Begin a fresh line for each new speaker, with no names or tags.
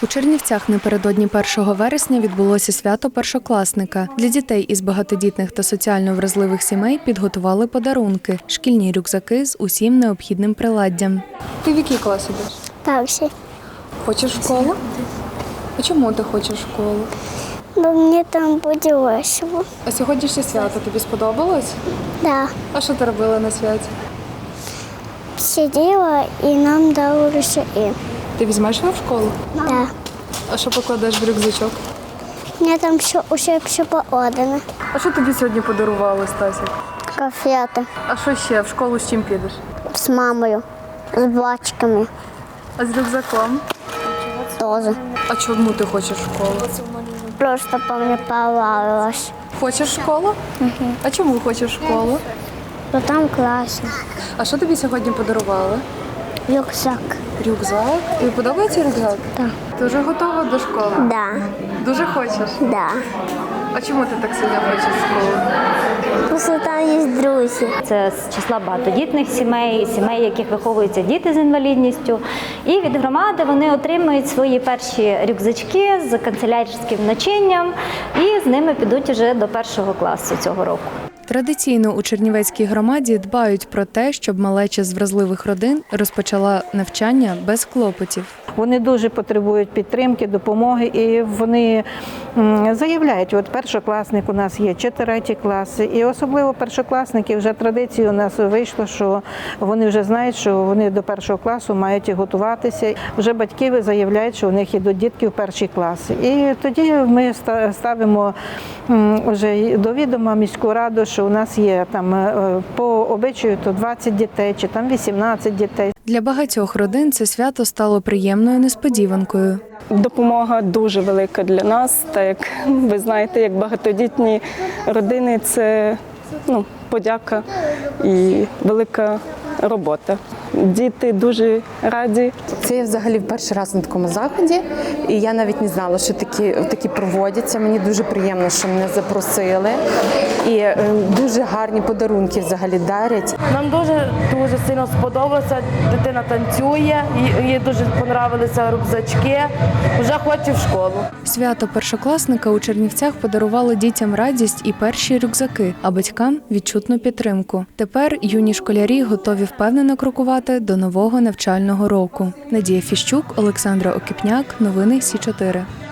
У Чернівцях напередодні 1 вересня відбулося свято першокласника. Для дітей із багатодітних та соціально вразливих сімей підготували подарунки – шкільні рюкзаки з усім необхідним приладдям. Ти в який клас ідеш?
Перший.
Хочеш в школу? А чому ти хочеш в школу?
Бо мені там буде весело.
А сьогоднішнє свято тобі сподобалось?
Да.
А що ти робила на святі?
Сиділа і нам дали рушаї.
Ти візьмеш його в школу?
Да.
А що покладеш в рюкзачок?
Мені там все поодано.
А що тобі сьогодні подарували, Стасік?
Конфети
А що ще? В школу з чим підеш?
з мамою, з бачками
А з рюкзаком?
теж.
А чому ти хочеш в школу?
Просто по мені понравилось.
Хочеш в школу? А чому хочеш в школу?
Бо там класно.
А що тобі сьогодні подарували?
Рюкзак.
Рюкзак? Тобі подобається рюкзак?
Так.
Ти вже готова до школи?
Да.
Дуже хочеш?
Да.
А чому ти так сильно хочеш в школу?
Просто там є друзі.
Це з числа багатодітних сімей, сімей, в яких виховуються діти з інвалідністю. І від громади вони отримують свої перші рюкзачки з канцелярським начинням і з ними підуть уже до 1 класу цього року.
Традиційно у Чернівецькій громаді дбають про те, щоб малеча з вразливих родин розпочала навчання без клопотів.
Вони дуже потребують підтримки, допомоги, і вони заявляють, от першокласник у нас є 4 класи, і особливо першокласники, вже традиція у нас вийшла, що вони вже знають, що вони до 1 класу мають готуватися. Вже батьки заявляють, що у них ідуть дітки в 1 класи. І тоді ми ставимо вже до відома міську раду, що у нас є там по обичаю то 20 дітей чи там 18 дітей.
Для багатьох родин це свято стало приємною несподіванкою.
Допомога дуже велика для нас, так як ви знаєте, як багатодітні родини – це подяка і велика робота. Діти дуже раді.
Це я взагалі перший раз на такому заході, і я навіть не знала, що такі проводяться. Мені дуже приємно, що мене запросили. І дуже гарні подарунки взагалі дарять.
Нам дуже сильно сподобалося. Дитина танцює, їй дуже подобалися рюкзачки. Вже хоче в школу.
Свято першокласника у Чернівцях подарувало дітям радість і перші рюкзаки, а батькам – відчутну підтримку. Тепер юні школярі готові впевнено крокувати до нового навчального року. Надія Фіщук, Олександра Окіпняк. Новини Сі 4.